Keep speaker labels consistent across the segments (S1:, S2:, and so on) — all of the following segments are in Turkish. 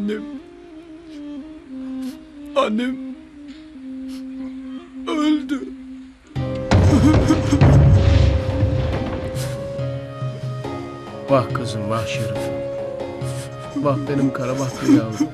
S1: Annem öldü.
S2: Vah kızım, vah Şerif. Vah benim karabahtlı yavrum.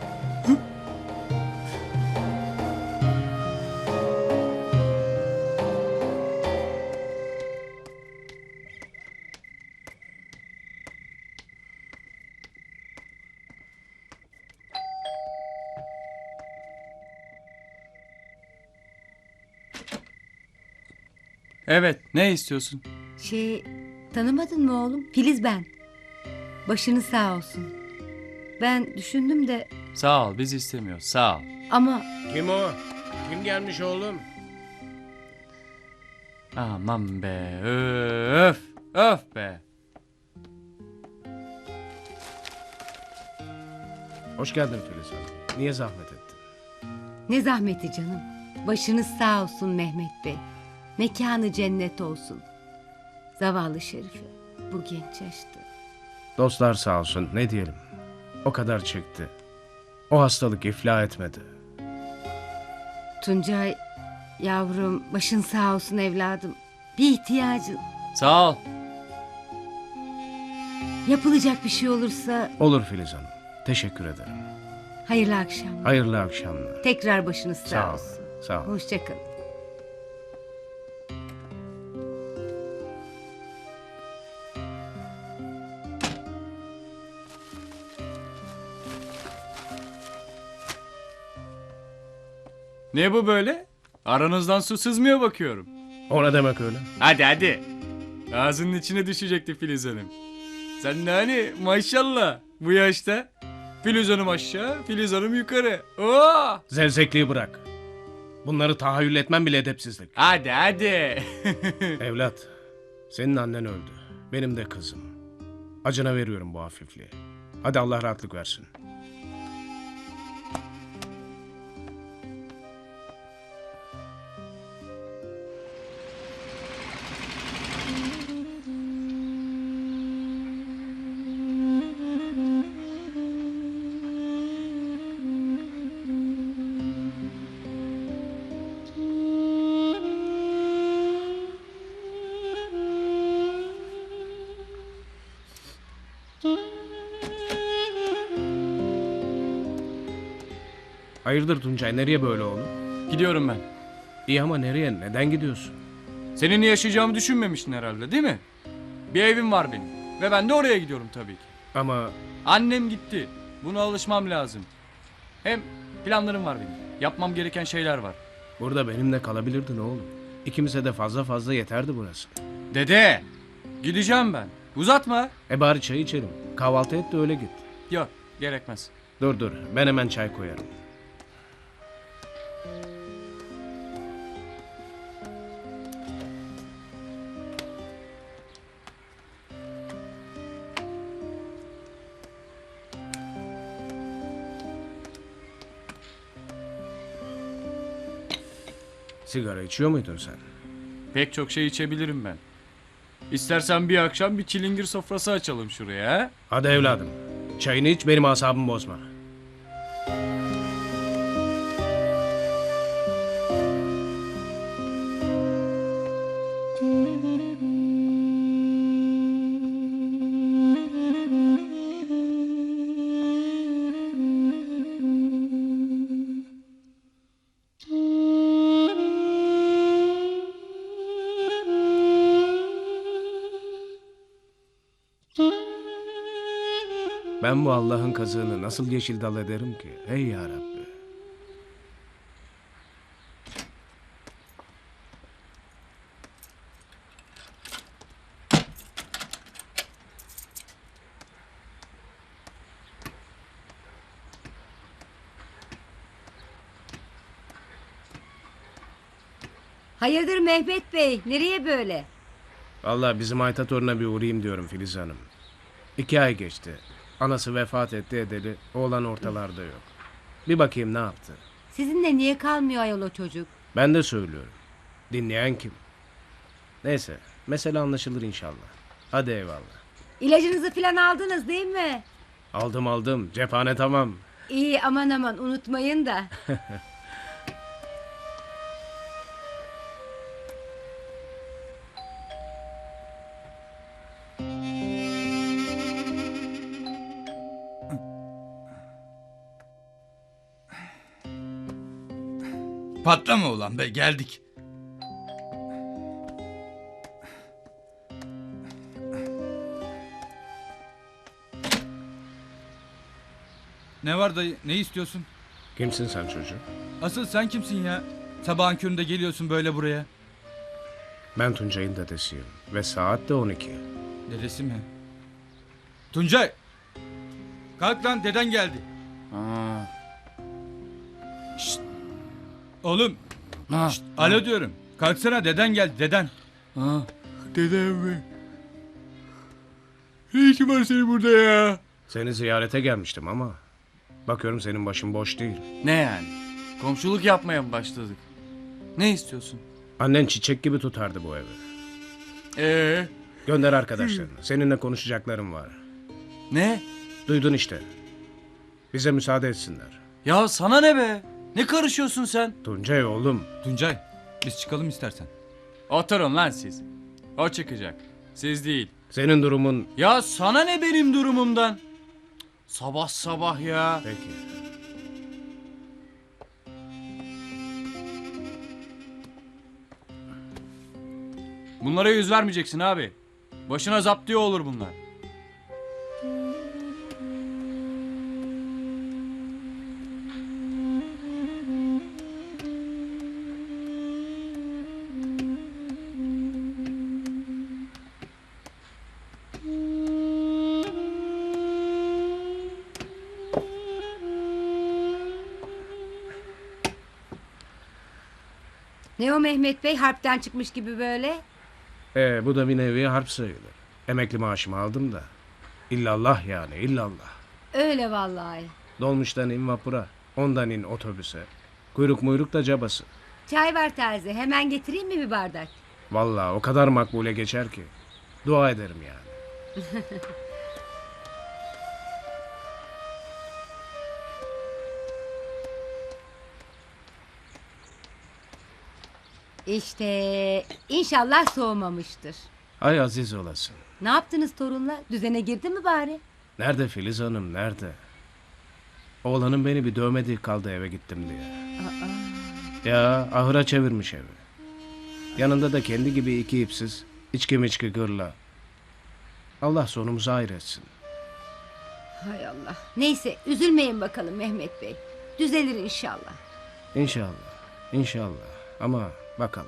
S1: Evet, ne istiyorsun?
S3: Tanımadın mı oğlum? Filiz ben. Başınız sağ olsun. Ben düşündüm de
S1: Sağ ol, biz istemiyoruz. Sağ ol.
S3: ama
S2: Kim o? Kim gelmiş oğlum?
S1: Aman be, öf, öf be.
S2: Hoş geldin Filiz Hanım. Niye zahmet ettin?
S3: ne zahmeti canım. Başınız sağ olsun Mehmet Bey. Mekanı cennet olsun. Zavallı Şerife bu genç yaşta.
S2: Dostlar sağ olsun, ne diyelim. O kadar çıktı. O hastalık iflah etmedi.
S3: Tuncay yavrum başın sağ olsun evladım. Bir ihtiyacın,
S1: Sağ ol.
S3: yapılacak bir şey olursa
S2: Olur Filiz Hanım. Teşekkür ederim.
S3: hayırlı akşamlar.
S2: Hayırlı akşamlar.
S3: Tekrar başınız sağ
S2: Sağ ol.
S3: olsun.
S2: Sağ ol.
S3: Hoşça kalın.
S1: Ne bu böyle? Aranızdan su sızmıyor bakıyorum.
S2: O ne demek öyle?
S1: Hadi. Ağzının içine düşecekti Filiz Hanım. Sen de hani maşallah bu yaşta. Filiz Hanım aşağı, Filiz Hanım yukarı. Oo!
S2: Zevzekliği bırak. Bunları tahayyül etmem bile edepsizlik.
S1: Hadi.
S2: Evlat, senin annen öldü. Benim de kızım. Acına veriyorum bu hafifliği. Hadi Allah rahatlık versin. Hayırdır Tuncay, nereye böyle oğlum?
S1: Gidiyorum ben.
S2: İyi ama nereye, neden gidiyorsun?
S1: Seninle yaşayacağımı düşünmemiştin herhalde değil mi? Bir evim var benim. Ve ben de oraya gidiyorum tabii ki.
S2: Ama
S1: Annem gitti. Buna alışmam lazım. Hem planlarım var benim. Yapmam gereken şeyler var.
S2: burada benimle kalabilirdin oğlum. İkimize de fazla fazla yeterdi burası.
S1: Dede! Gideceğim ben. Uzatma.
S2: Bari çay içelim. Kahvaltı et de öyle git.
S1: Yok, gerekmez.
S2: Dur, ben hemen çay koyarım. Sigara içiyor muydun sen?
S1: Pek çok şey içebilirim ben. İstersen bir akşam bir çilingir sofrası açalım şuraya. Ha?
S2: Hadi evladım. Çayını iç, benim asabımı bozma. Ben bu Allah'ın kazığını nasıl yeşil dal ederim ki? Ey ya Rabbi.
S3: Hayırdır Mehmet Bey? Nereye böyle?
S2: Vallahi bizim Ayta toruna bir uğrayayım diyorum Filiz Hanım. 2 ay geçti. Anası vefat etti edeli. Oğlan ortalarda yok. Bir bakayım ne yaptı.
S3: Sizinle niye kalmıyor ayol o çocuk?
S2: Ben de söylüyorum. Dinleyen kim? Neyse. Mesele anlaşılır inşallah. Hadi eyvallah.
S3: İlacınızı filan aldınız değil mi?
S2: Aldım. Cephane tamam.
S3: İyi aman aman unutmayın da.
S4: Patlama ulan be, geldik. Ne var dayı, ne istiyorsun?
S2: Kimsin sen çocuğum?
S4: Asıl sen kimsin ya? Sabahın köründe geliyorsun böyle buraya.
S2: Ben Tuncay'ın dedesiyim ve saat de 12.
S4: Dedesi mi? Tuncay! Kalk lan, deden geldi.
S1: Aa.
S4: Oğlum,
S1: Ha.
S4: alo diyorum. Kalksana, deden geldi, deden.
S1: Ha. Dedem mi? Ne işin var senin burada ya?
S2: Seni ziyarete gelmiştim ama bakıyorum senin başın boş değil.
S1: Ne yani? Komşuluk yapmaya mı başladık? Ne istiyorsun?
S2: Annen çiçek gibi tutardı bu evi. Gönder arkadaşlarını. Seninle konuşacaklarım var.
S1: Ne?
S2: Duydun işte. Bize müsaade etsinler.
S1: Ya sana ne be? Ne karışıyorsun sen?
S2: Tuncay oğlum.
S4: Tuncay, biz çıkalım istersen.
S1: Oturun lan siz. O çıkacak. Siz değil.
S2: Senin durumun...
S1: Ya sana ne benim durumumdan? Sabah sabah ya.
S2: Peki.
S1: Bunlara yüz vermeyeceksin abi. Başına zaptiye olur bunlar.
S3: Ne o Mehmet Bey harpten çıkmış gibi böyle?
S2: Bu da bir nevi harp sayılır. Emekli maaşımı aldım da. İllallah yani illallah.
S3: Öyle vallahi.
S2: Dolmuştan in vapura. Ondan in otobüse. Kuyruk muyruk da cabası.
S3: Çay var terzi. Hemen getireyim mi bir bardak?
S2: Vallahi o kadar makbule geçer ki. Dua ederim yani.
S3: İşte inşallah soğumamıştır.
S2: Ay aziz olasın.
S3: Ne yaptınız torunla? Düzene girdi mi bari?
S2: Nerede Filiz Hanım nerede? Oğlanın beni bir dövmediği kaldı eve gittim diye. Ya ahıra çevirmiş evi. Yanında da kendi gibi iki ipsiz, içki miçki gırla. Allah sonumuzu hayır etsin.
S3: Hay Allah. Neyse üzülmeyin bakalım Mehmet Bey. Düzelir inşallah.
S2: İnşallah, inşallah. Ama bakalım.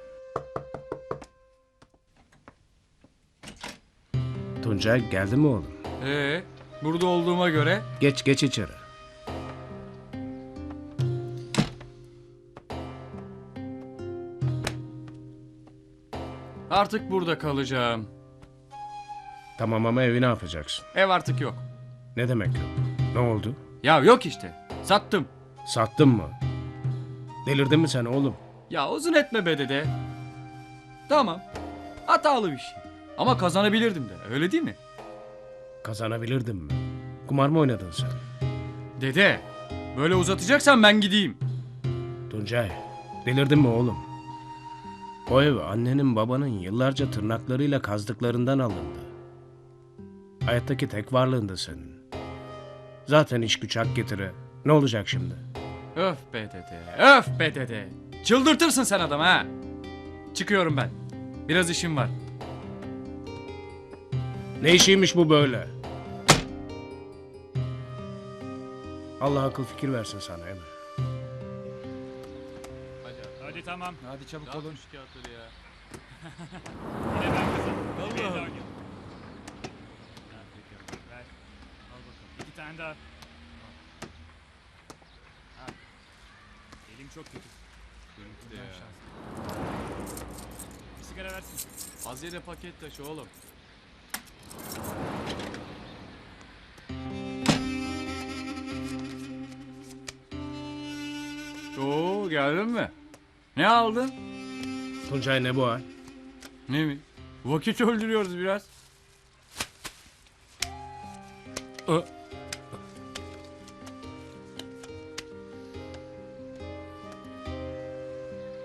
S2: Tuncay geldi mi oğlum?
S1: Burada olduğuma göre
S2: Geç geç içeri.
S1: artık burada kalacağım.
S2: Tamam ama evi ne yapacaksın?
S1: Ev artık yok.
S2: Ne demek yok? Ne oldu?
S1: Ya yok işte. Sattım.
S2: Sattın mı? Delirdin mi sen oğlum?
S1: Ya uzun etme be dede. Tamam. Hatalı bir şey. Ama kazanabilirdim de. Öyle değil mi?
S2: Kazanabilirdin mi? Kumar mı oynadın sen?
S1: Dede. Böyle uzatacaksan ben gideyim.
S2: Tuncay, delirdin mi oğlum? O ev annenin babanın yıllarca tırnaklarıyla kazdıklarından alındı. Hayattaki tek varlığındı senin. Zaten iş güç hak getire. Ne olacak şimdi?
S1: Öf be dede. Öf be dede. Çıldırtırsın sen adam ha. Çıkıyorum ben. Biraz işim var.
S2: Ne işiymiş bu böyle? Allah akıl fikir versin sana Emre.
S5: Hadi tamam.
S4: Hadi çabuk olun.
S1: Ya.
S5: Yine ben kazandım. Hadi bir daha oynayalım. Ha, peki, ver. Al bakalım. 2 tane daha. Ha. Elim çok kötü.
S1: Benimki de ya.
S5: Bir sigara versin.
S1: Az yere paket taşı oğlum. Oo, geldin mi? Ne aldın?
S2: Tuncay ne bu hal?
S1: Ne mi? Vakit öldürüyoruz biraz.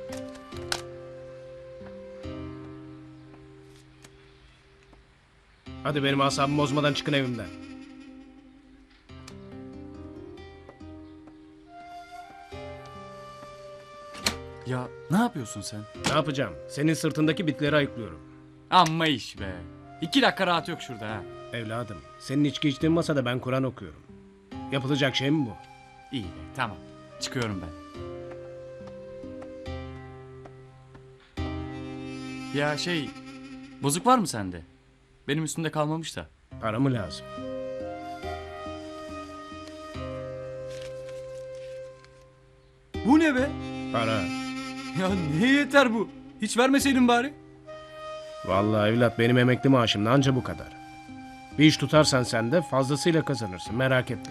S2: Hadi benim asabımı bozmadan çıkın evimden.
S1: Ya ne yapıyorsun sen?
S2: Ne yapacağım? Senin sırtındaki bitleri ayıklıyorum.
S1: Amma iş be. 2 dakika rahat yok şurada ha.
S2: Evladım, senin içki içtiğin masada ben Kur'an okuyorum. Yapılacak şey mi bu?
S1: İyi be tamam. Çıkıyorum ben. Ya şey, bozuk var mı sende? Benim üstümde kalmamış da.
S2: Para mı lazım?
S1: Bu ne be?
S2: Para.
S1: Ya neye yeter bu? Hiç vermeseydin bari.
S2: Vallahi evlat benim emekli maaşım da anca bu kadar. Bir iş tutarsan sen de fazlasıyla kazanırsın, merak etme.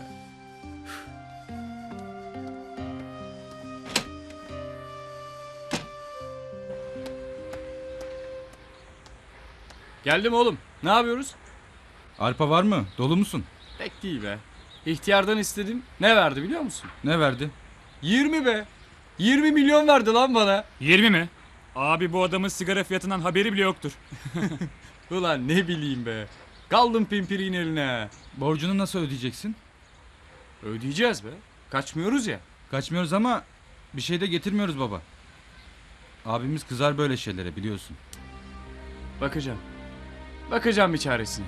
S1: Geldim oğlum. Ne yapıyoruz?
S4: Arpa var mı? Dolu musun?
S1: Pek değil be. İhtiyardan istedim. Ne verdi biliyor musun?
S4: Ne verdi?
S1: 20 be. 20 milyon verdi lan bana.
S5: 20 mi? Abi bu adamın sigara fiyatından haberi bile yoktur.
S1: Ulan ne bileyim be. Kaldım pimpiriğin eline.
S4: Borcunu nasıl ödeyeceksin?
S1: Ödeyeceğiz be. Kaçmıyoruz ya.
S4: Kaçmıyoruz ama bir şey de getirmiyoruz baba. Abimiz kızar böyle şeylere biliyorsun.
S1: Bakacağım. Bakacağım bir çaresine.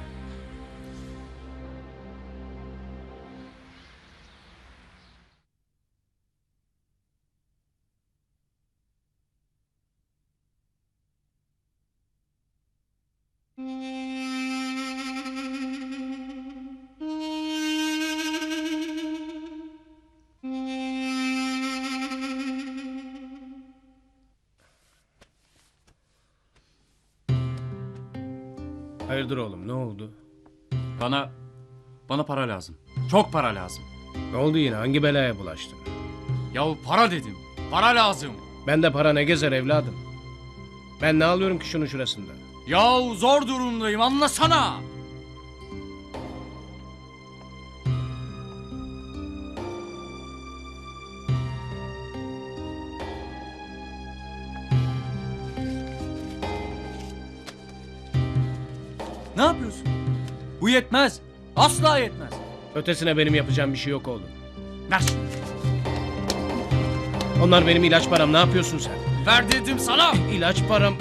S2: Hayırdır oğlum, ne oldu?
S1: Bana para lazım. Çok para lazım.
S2: Ne oldu yine, hangi belaya bulaştın?
S1: Yahu para dedim. Para lazım.
S2: Ben de para ne gezer evladım? Ben ne alıyorum ki şunun şurasında?
S1: Yahu zor durumdayım anlasana. Ne yapıyorsun? Bu yetmez. Asla yetmez.
S2: Ötesine benim yapacağım bir şey yok oğlum.
S1: Ver şunu.
S2: Onlar benim ilaç param, ne yapıyorsun sen?
S1: Ver dedim sana.
S2: İlaç param.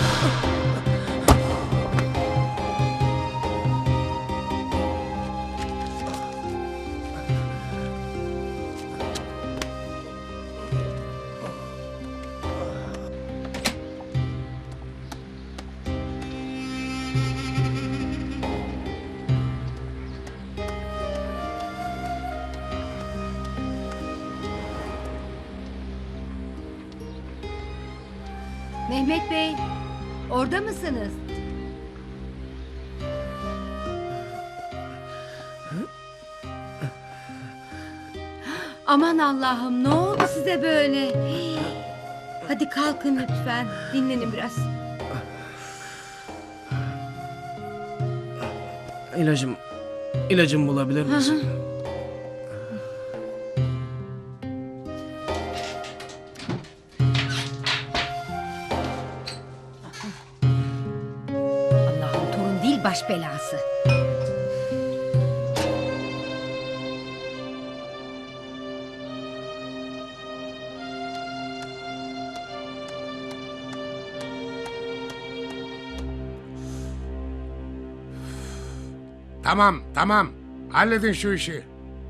S3: Mehmet Bey, orada mısınız? Aman Allah'ım, ne oldu size böyle? Hadi kalkın lütfen, dinlenin biraz.
S2: İlacım bulabilir misin?
S3: Allah'ım, torun değil baş belası.
S6: Tamam, tamam. Halledin şu işi.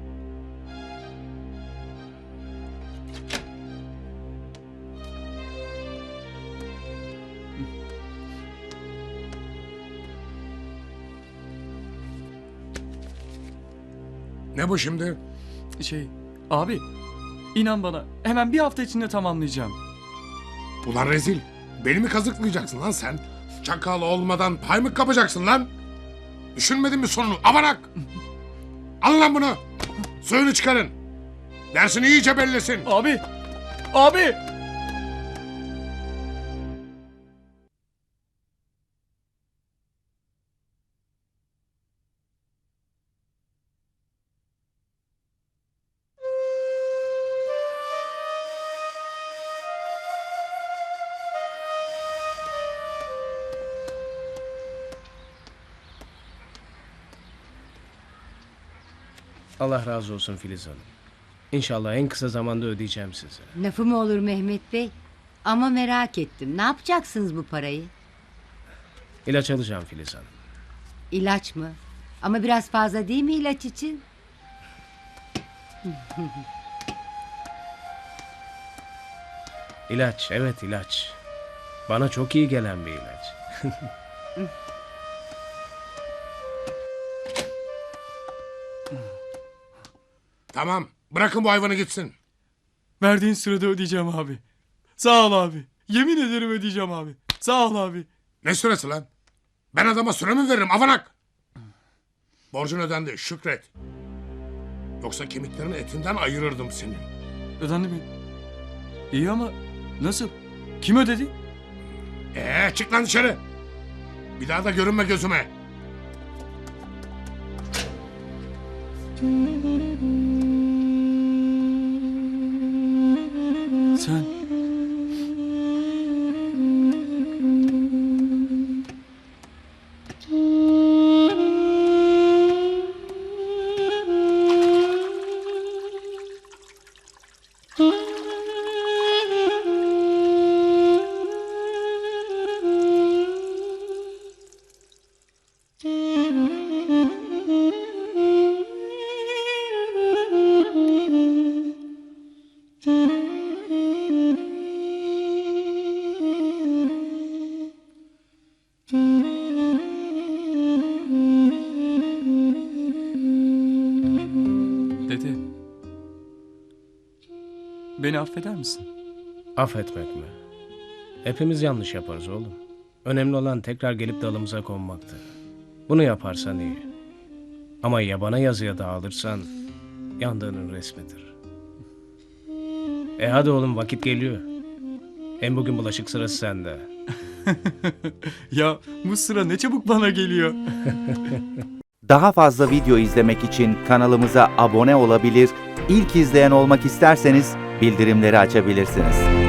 S6: Ne bu şimdi?
S1: Abi inan bana hemen bir hafta içinde tamamlayacağım.
S6: Ulan rezil. Beni mi kazıklayacaksın lan sen? Çakal olmadan pay mı kapacaksın lan? Düşünmedin mi sonunu? Avanak! Alın lan bunu. Suyunu çıkarın. Dersini iyice bellesin.
S1: Abi.
S2: Allah razı olsun Filiz Hanım. İnşallah en kısa zamanda ödeyeceğim size.
S3: Lafı mı olur Mehmet Bey? Ama merak ettim. Ne yapacaksınız bu parayı?
S2: İlaç alacağım Filiz Hanım.
S3: İlaç mı? Ama biraz fazla değil mi ilaç için?
S2: İlaç, evet ilaç. Bana çok iyi gelen bir ilaç.
S6: Tamam, bırakın bu hayvanı gitsin.
S1: Verdiğin sırada ödeyeceğim abi. Sağ ol abi. Yemin ederim ödeyeceğim abi. Sağ ol abi.
S6: Ne süresi lan? Ben adama süre mi veririm avanak? Borcun ödendi, şükret. Yoksa kemiklerin etinden ayırırdım seni.
S1: Ödendi mi? İyi ama nasıl? Kim ödedi?
S6: Çık lan dışarı. Bir daha da görünme gözüme.
S1: Sen. Dede. Beni affeder misin?
S2: Affetmek mi? Hepimiz yanlış yaparız oğlum. Önemli olan tekrar gelip dalımıza konmaktır. Bunu yaparsan iyi. Ama yabana yazıya dağılırsan yandığının resmidir. Hadi oğlum vakit geliyor. Hem bugün bulaşık sırası sende.
S1: Ya bu sıra ne çabuk bana geliyor.
S7: Daha fazla video izlemek için kanalımıza abone olabilir, ilk izleyen olmak isterseniz bildirimleri açabilirsiniz.